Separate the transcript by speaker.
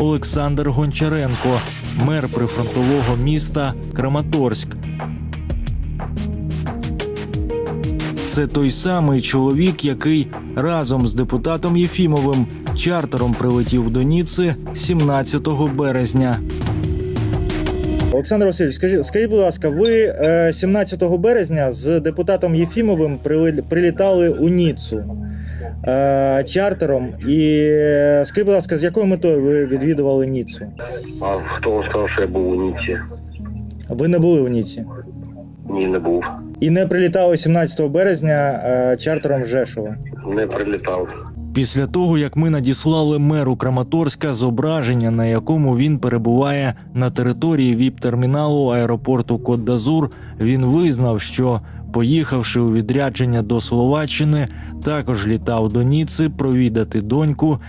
Speaker 1: Олександр Гончаренко, мер прифронтового міста Краматорськ. Це той самий чоловік, який разом з депутатом Єфімовим чартером прилетів до Ніцци 17 березня.
Speaker 2: Олександр Васильович, скажіть, будь ласка, ви 17 березня з депутатом Єфімовим прилітали у Ніццу чартером. І скажіть, будь ласка, з якою метою ви відвідували Ніццу?
Speaker 3: А хто вам сказав, що я був у Ніцці?
Speaker 2: Ви не були у Ніцці?
Speaker 3: Ні, не був.
Speaker 2: І не прилітали 17 березня чартером з Жешова?
Speaker 3: Не прилітав.
Speaker 1: Після того, як ми надіслали меру Краматорська зображення, на якому він перебуває на території ВІП-терміналу аеропорту Кот-д'Азур, він визнав, що, поїхавши у відрядження до Словаччини, також літав до Ніцци провідати доньку